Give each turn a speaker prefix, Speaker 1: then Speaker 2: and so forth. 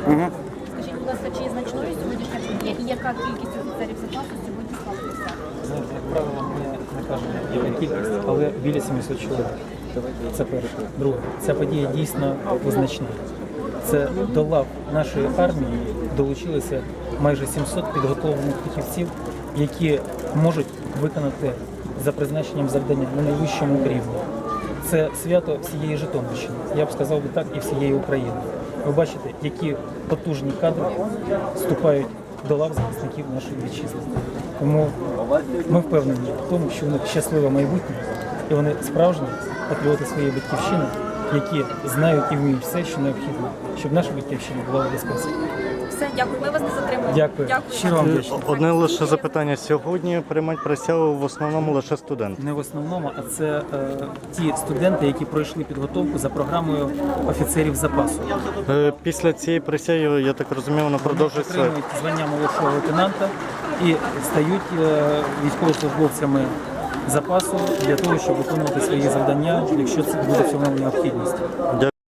Speaker 1: Скажіть, будь ласка, чи є значною сьогоднішня подія і яка кількість офіцерів запасу сьогодні склала присягу?
Speaker 2: Знаєте, як правило, ми не кажемо, яка кількість, але біля 700 чоловік. Це перше. Друге, ця подія дійсно визначна. Це до лав нашої армії долучилося майже 700 підготовлених фахівців, які можуть виконати за призначенням завдання на найвищому рівні. Це свято всієї Житомирщини, я б сказав би так, і всієї України. Ви бачите, які потужні кадри вступають до лав захисників нашої вітчизни. Тому ми впевнені в тому, що у них щасливе майбутнє, і вони справжні патріоти своєї батьківщини, які знають і вміють все, що необхідно, щоб наша батьківщина була в безпеці.
Speaker 1: Все, дякую. Ми вас не затримуємо.
Speaker 2: Дякую. Щиро вам вдячний.
Speaker 3: Одне лише запитання. Сьогодні приймають присягу в основному лише студенти.
Speaker 2: Не в основному, а це ті студенти, які пройшли підготовку за програмою офіцерів запасу.
Speaker 3: Після цієї присяги, я так розумію, вона продовжується.
Speaker 2: Отримують звання молодшого лейтенанта і стають військовослужбовцями запасу для того, щоб виконувати свої завдання, якщо це буде в цьому необхідність.